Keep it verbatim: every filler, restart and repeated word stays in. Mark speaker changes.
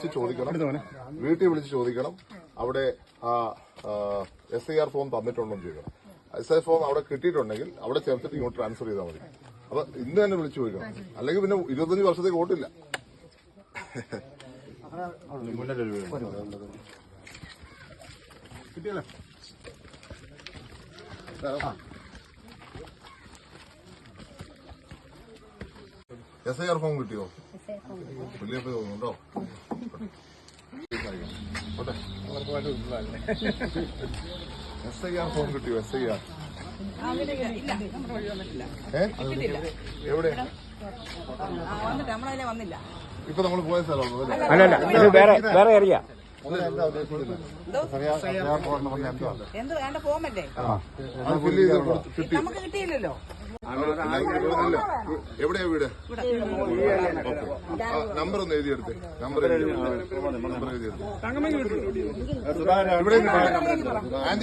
Speaker 1: ചോദിക്കണം, വീട്ടിൽ വിളിച്ച് ചോദിക്കണം. അവിടെ ആ എസ് ഐ ആർ ഫോം തന്നിട്ടുണ്ടോ എന്ന് ചോദിക്കണം. എസ് ഐ ഫോം അവിടെ കിട്ടിയിട്ടുണ്ടെങ്കിൽ അവിടെ ചേർത്തിട്ട് ഇങ്ങോട്ട് ട്രാൻസ്ഫർ ചെയ്താൽ മതി. അപ്പൊ ഇന്ന് തന്നെ വിളിച്ചു ചോദിക്കണം, അല്ലെങ്കിൽ പിന്നെ ഇരുപത്തഞ്ച് വർഷത്തേക്ക് വോട്ടില്ല. കിട്ടിയല്ലേ? എസ് ഐ ആർ ഫോം കിട്ടിയോ? വലിയ തോന്നുന്നുണ്ടോ? എസ് ഐ ആർ ഫോം കിട്ടിയോ? എസ് ഐ ആർ എവിടെ? ഇപ്പൊ നമ്മൾ പോയ സ്ഥലം
Speaker 2: അല്ലല്ല, വേറെ വേറെ അറിയാം.
Speaker 3: എന്ത് വേണ്ട ഫോമല്ലേ നമുക്ക് കിട്ടിയില്ലല്ലോ.
Speaker 1: എവിടെയാ വീട്? നമ്പർ ഒന്ന് എഴുതിയെടുത്ത്. നമ്പർ എഴുതി നമ്പർ എഴുതിയെടുത്ത്. ഇവിടെ